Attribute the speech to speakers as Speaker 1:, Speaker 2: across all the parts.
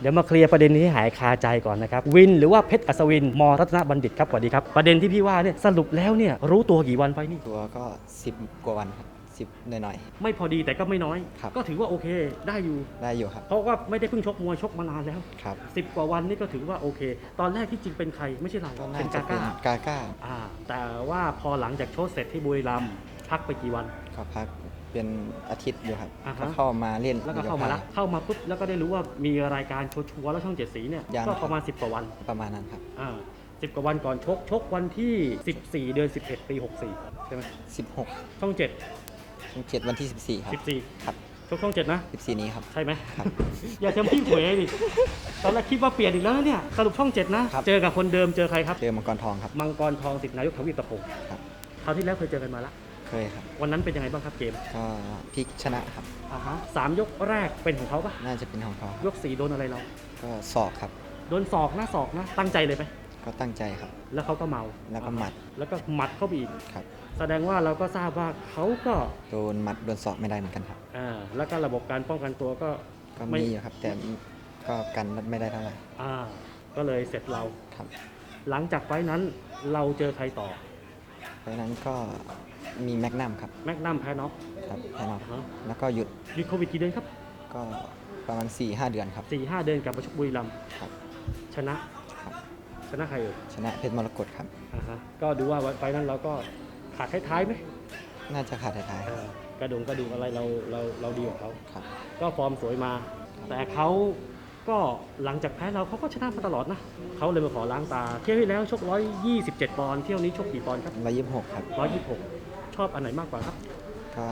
Speaker 1: เดี๋ยวมาเคลียร์ประเด็นนี้ให้หายคาใจก่อนนะครับวินหรือว่าเพชรอัศวินมรัตนบัณฑิตครับสวัสดีครับประเด็นที่พี่ว่าเนี่ยสรุปแล้วเนี่ยรู้ตัวกี่วันไฟนี่
Speaker 2: ตัวก็10 กว่าวันครับ10หน่อย
Speaker 1: ไม่พอดีแต่ก็ไม่น้อย
Speaker 2: ครับ
Speaker 1: ก็ถือว่าโอเคได้อยู่
Speaker 2: ๆได้อยู่ครับ
Speaker 1: เพราะว่าไม่ได้เพิ่งชกมวยชกมานานแล้ว
Speaker 2: ครับ
Speaker 1: 10 กว่าวันนี่ก็ถือว่าโอเค ตอนแรกที่จริงเป็นใครไม่ใช่เรา
Speaker 2: ก็น่า
Speaker 1: เป็น
Speaker 2: จะ
Speaker 1: กา
Speaker 2: เป็น
Speaker 1: ก้าก
Speaker 2: าก้า
Speaker 1: แต่ว่าพอหลังจากโชว์เสร็จที่บุรีรัมย์พักไปกี่วัน
Speaker 2: ก็พักเป็นอาทิตย์อยู่ครับ
Speaker 1: อ่าฮะ
Speaker 2: ก็เข้ามาเล่น
Speaker 1: แล้วก็เข้ามาละเข้ามาปุ๊บแล้วก็ได้รู้ว่ามีรายการชัวร์ๆแล้วช่องเจ็ดสีเนี่ย
Speaker 2: ยัง
Speaker 1: ก็ประมาณ 10 กว่าวัน
Speaker 2: ประมาณนั้นครับ
Speaker 1: 10 กว่าวันก่อนชกวันที่ 14 เดือน 11 ปี 64 ใช่ไหม
Speaker 2: 16
Speaker 1: ช่อง 7
Speaker 2: ช่อง7วันที่14ครับ
Speaker 1: 14
Speaker 2: ครับ
Speaker 1: ชกช่อง 7 นะ
Speaker 2: 14นี้ครับ
Speaker 1: ใช่ไหม
Speaker 2: ครับ
Speaker 1: อย่าเทำพี่หวยดิตอนแรกคิดว่าเปลี่ยนอีกแล้วนะเนี่ยสรุปช่อง 7 นะ
Speaker 2: ครับ
Speaker 1: เจอกับคนเดิมเจอใครครับ
Speaker 2: เจอมังกรทองครับ
Speaker 1: มังกรทองสิทธินายกทวีปตะพงศ์
Speaker 2: ครับ
Speaker 1: คราวที่แล้วเคยเจอกันมาละ
Speaker 2: เคยครับ
Speaker 1: วันนั้นเป็นยังไงบ้างครับเกม
Speaker 2: ก็พลิกชนะครับ
Speaker 1: 3 ยกแรกเป็นของเขาปะ
Speaker 2: น่าจะเป็นของเขา
Speaker 1: ยก 4 โดนอะไรเรา
Speaker 2: ก็ศอกครับ
Speaker 1: โดนศอกนะตั้งใจเลยไหม
Speaker 2: ก็ตั้งใจครับ
Speaker 1: แล้วเขาก็เมา
Speaker 2: แล้วก็หมัด
Speaker 1: แล้วก็หมัดเข้าไปอีก
Speaker 2: ครับ
Speaker 1: แสดงว่าเราก็ทราบว่าเขาก็
Speaker 2: โดนหมัดโดนศอกไม่ได้เหมือนกันครับ
Speaker 1: แล้วก็ระบบการป้องกันตัวก็
Speaker 2: ก็
Speaker 1: ไม่
Speaker 2: มีอยู่ครับ แต่ก็กันไม่ได้เท่าไหร่
Speaker 1: ก็เลยเสร็จเรา
Speaker 2: ครับ
Speaker 1: หลังจากไฟท์นั้นเราเจอใครต่อ
Speaker 2: เพราะฉะนั้นก็มีแมกนัมครับ
Speaker 1: แมกนัมแพ้น็อก
Speaker 2: ครับแพ้น็อก
Speaker 1: อ่าฮะ
Speaker 2: แล้วก็หยุด
Speaker 1: มีโควิดกี่เดือนครับ
Speaker 2: ก็ประมาณ 4-5 เดือนครับ
Speaker 1: 4-5 เดือนกลับมาชกบุรีรัมย์
Speaker 2: ครับ
Speaker 1: ชนะ
Speaker 2: ครับ
Speaker 1: ชนะใครเอ่ย
Speaker 2: ชนะเพชรมรกตครับ
Speaker 1: ก็ดูว่าไฟท์นั้นเราก็ขาดท้ายๆไหม
Speaker 2: น่าจะขาดท้ายๆ
Speaker 1: กระดูกอะไรเราดีกว่าเขา
Speaker 2: ครับ
Speaker 1: ก็ฟอร์มสวยมา แต่เขาก็หลังจากแพ้เราเขาก็ชนะมาตลอดนะเขาเลยมาขอล้างตา เที่ยวที่แล้วชก 127 ปอนด์เที่ยวนี้ชกกี่ปอนด์ครับ
Speaker 2: 126ครับ
Speaker 1: 126 ชอบอันไหนมากกว่าครับ
Speaker 2: ก็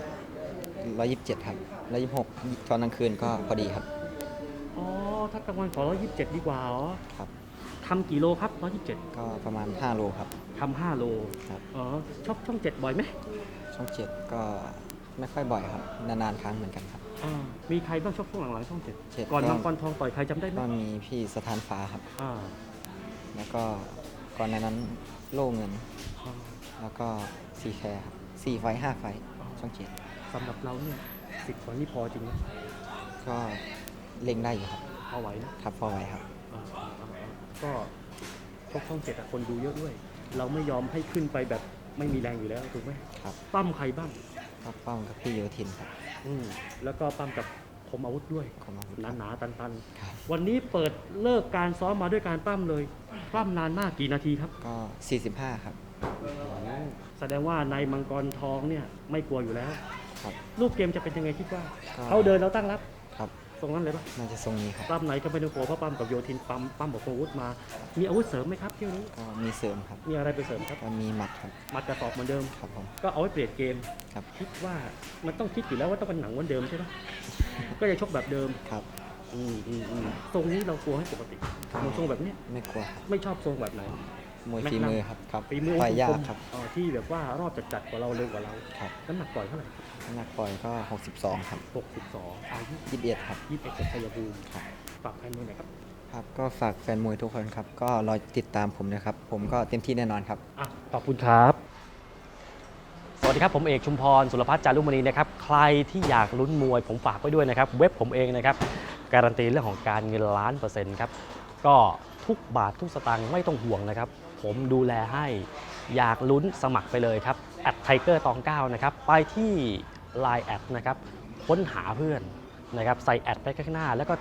Speaker 2: 127ครับ126ตอนกลางคืนก็พอดีครับ
Speaker 1: อ๋อ ถ้ากลางวันขอ 127 ดีกว่าอ๋อ
Speaker 2: ครับ
Speaker 1: ทำกี่โลครับ 127
Speaker 2: ก็ประมาณ5 โลครับ
Speaker 1: ทำ5 โล
Speaker 2: ครับ
Speaker 1: อ๋อชอบช่อง 7 บ่อยไหม
Speaker 2: ช่อง7ก็ไม่ค่อยบ่อยครับ นานๆครั้งเหมือนกันครับ
Speaker 1: มีใครบ้างชกช่วงหลังๆช่อง
Speaker 2: เจ็ด
Speaker 1: 7 ก่อนมังกรทองต่อยใครจำได้ไหม
Speaker 2: ก็มีพี่สถานฟ้าครับ
Speaker 1: อ่า
Speaker 2: แล้วก็ก่อนในนั้นโล่เงิน
Speaker 1: อ่า
Speaker 2: แล้วก็ซีแคร์ครับ4 ไฟต์5 ไฟต์ช่อง7
Speaker 1: สำหรับเราเนี่ย10 วันนี่พอจริงไหม
Speaker 2: ก็เล็งได้อยู่ครับ
Speaker 1: พอไหวนะครับ
Speaker 2: พอไหวครับ
Speaker 1: ก็ชกช่อง 7คนดูเยอะด้วย เราไม่ยอมให้ขึ้นไปแบบไม่มีแรงอยู่แล้วถูกไหม
Speaker 2: ครับ
Speaker 1: ปั้มใครบ้าง
Speaker 2: ก็ป้องกับพี่โยธินครับ
Speaker 1: แล้วก็ปั้มกับคมอาวุธด้วย
Speaker 2: ขอบคุณครับ
Speaker 1: หนาๆตัน
Speaker 2: ครับ
Speaker 1: ๆวันนี้เปิดเลิกการซ้อมมาด้วยการปั้มเลยปั้มนานมากกี่นาทีครับ
Speaker 2: ก็45ครับ
Speaker 1: แสดงว่าในมังกรทองเนี่ยไม่กลัวอยู่แล้ว
Speaker 2: ครับ
Speaker 1: รูปเกมจะเป็นยังไงคิดว่า
Speaker 2: ก็
Speaker 1: เขาเดินเราตั้งรับ
Speaker 2: ครับ
Speaker 1: ตรงนั้นเลยปะ
Speaker 2: น่าจะทรงนี้ครับ
Speaker 1: ปั้มไหนก็ไม่ต้องกลัวเพราะปั้มกับโยธินปั้มกับคมอาวุธมา มีอาวุธเสริมไหมครับเที่ยวนี้
Speaker 2: ก็มีเสริมครับ
Speaker 1: มีอะไรไปเสริมครับ
Speaker 2: ก็มีหมัดครับ
Speaker 1: มัดกระสอบเหมือนเดิม
Speaker 2: ครับผม
Speaker 1: ก็เอาไว้เปลี่ยนเกม
Speaker 2: ครับ
Speaker 1: คิดว่ามันต้องคิดอยู่แล้วว่าต้องเป็นหนังเหมือนเดิมใช่ไหม ก็จะชกแบบเดิม
Speaker 2: ครับ
Speaker 1: ทรงนี้เรากลัวให้ปกติมวยทรงแบบเนี้ย
Speaker 2: ไม่กลัวครับ
Speaker 1: ไม่ชอบทรงแบบไหน
Speaker 2: มวยฝีมือครับครับ
Speaker 1: ฝีมือ
Speaker 2: ต่อยยากครับ
Speaker 1: ที่แบบว่ารอบจัดกว่าเราเร็วกว่าเรา
Speaker 2: ครับ
Speaker 1: น้ำหนักปล่อยเท่าไหร่
Speaker 2: น้ำหนักปล่อยก็62ครับ
Speaker 1: 62อายุ
Speaker 2: 21ครับ
Speaker 1: 21จากชัยภูมิ
Speaker 2: ครับ
Speaker 1: ฝากใครมือหน่อยครับ
Speaker 2: ครับก็ฝากแฟนมวยทุกคนครับ ก็รอติดตามผมนะครับ ผมก็เต็มที่แน่นอนครับ
Speaker 1: ขอบคุณครับ สวัสดีครับผมเอกชุมพรสุรพัฒน์จารุมณีนะครับใครที่อยากลุ้นมวยผมฝากไว้ด้วยนะครับเว็บผมเองนะครับการันตีเรื่องของการเงิน1,000,000%ครับก็ทุกบาททุกสตางค์ไม่ต้องห่วงนะครับผมดูแลให้อยากลุ้นสมัครไปเลยครับ@tiger29นะครับไปที่ Line แอดนะครับค้นหาเพื่อนนะครับใส่แอดไปข้างหน้าแล้วก็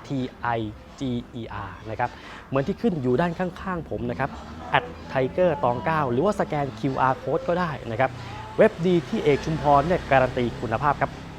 Speaker 1: TIGER นะครับเหมือนที่ขึ้นอยู่ด้านข้างๆผมนะครับ@tiger29หรือว่าสแกน QR code ก็ได้นะครับเว็บดีที่เอกชุมพรเนี่ยการันตีคุณภาพครับ